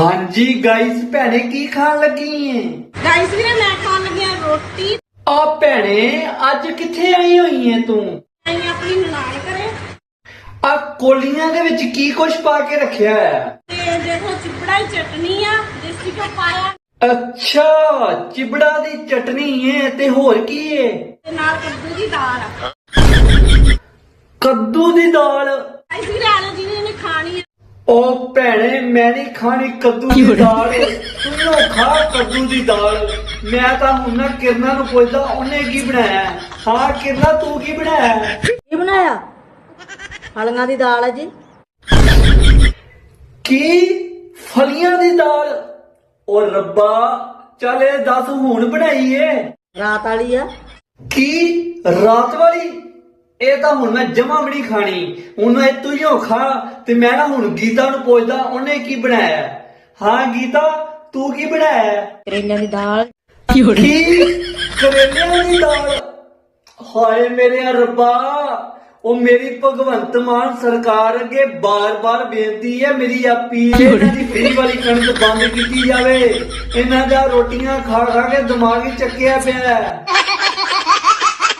ਹਾਂਜੀ ਗਾइस ਭੈਣੇ ਕੀ ਖਾਣ ਲੱਗੀ ਏ? ਗਾਇਸ ਵੀਰੇ ਮੈਂ ਖਾਣ ਲੱਗਿਆ ਰੋਟੀ। ਆ ਭੈਣੇ ਅੱਜ ਕਿੱਥੇ ਆਈ ਹੋਈ ਏ ਤੂੰ? ਅਸੀਂ ਆਪਣੀ ਨਨਾਣ ਕਰੇ ਆ ਕੋਲੀਆਂ ਦੇ ਵਿੱਚ ਕੀ ਕੁਛ ਪਾ ਕੇ ਰੱਖਿਆ ਹੈ? ਤੇ ਦੇਖੋ ਚਿਪੜਾ ਦੀ ਚਟਨੀ ਆ, ਦੇਸੀ ਘਿਓ ਪਾਇਆ ਅੱਛਾ ਚਿਬੜਾ ਦੀ ਚਟਨੀ ਏ ਤੇ ਹੋਰ ਕੀ ਏ? ਤੇ ਨਾਲ ਕੱਦੂ ਦੀ ਦਾਲ ਆ। ਕੱਦੂ ਦੀ ਦਾਲ। ਗਾਇਸ ਵੀਰੇ ਆ ਲਓ ਜਿਹਨੇ ਖਾਣੀ ਆ। ਉਹ ਭੈਣੇ ਮੈਂ ਨਹੀਂ ਖਾਣੀ ਕੱਦੂ ਦੀ ਦਾਲ। ਤੂੰ ਖਾ ਕੱਦੂ ਦੀ ਦਾਲ। ਮੈਂ ਤਾਂ ਹੁਣ ਨਾ ਕਿਰਨਾ ਨੂੰ ਪੁੱਛਦਾ ਉਹਨੇ ਕੀ ਬਣਾਇਆ। ਹਾਂ ਕਿਰਨਾ ਤੂੰ ਕੀ ਬਣਾਇਆ? ਕੀ ਬਣਾਇਆ? ਫਲੀਆਂ ਦੀ ਦਾਲ ਆ ਜੀ। ਕੀ ਫਲੀਆਂ ਦੀ ਦਾਲ? ਉਹ ਰੱਬਾ ਚੱਲ ਇਹ ਦੱਸ ਹੁਣ ਬਣਾਈ ਏ? ਰਾਤ ਵਾਲੀ ਆ। ਕੀ ਰਾਤ ਵਾਲੀ? ਇਹ ਤਾਂ ਹੁਣ ਮੈਂ ਜਮਾ ਵੀ ਨਹੀਂ ਖਾਣੀ। ਹੁਣ ਇਹ ਤੂੰ ਹੀ ਖਾ ਤੇ ਮੈਂ ਨਾ ਹੁਣ ਗੀਤਾ ਨੂੰ ਪੁੱਛਦਾ ਉਹਨੇ ਕੀ ਬਣਾਇਆ। ਹਾਂ ਗੀਤਾ ਤੂੰ ਕੀ ਬਣਾਇਆ? ਕਰੇਲਿਆਂ ਦੀ ਦਾਲ। ਕੀ ਕਰੇਲਿਆਂ ਦੀ ਦਾਲ? ਹਾਏ ਮੇਰੇ ਰੱਬਾ ਉਹ ਮੇਰੀ ਭਗਵੰਤ ਮਾਨ ਸਰਕਾਰ ਅੱਗੇ ਬਾਰ-ਬਾਰ ਬੇਨਤੀ ਹੈ ਮੇਰੀ ਅਪੀਲ ਹੈ ਇਹਨਾਂ ਦੀ ਫ੍ਰੀ ਵਾਲੀ ਕਣਕ ਬੰਦ ਕੀਤੀ ਜਾਵੇ। ਇਹਨਾਂ ਦਾ ਰੋਟੀਆਂ ਖਾ ਖਾ ਕੇ ਦਿਮਾਗ ਹੀ ਚੱਕਿਆ ਪਿਆ ਹੈ।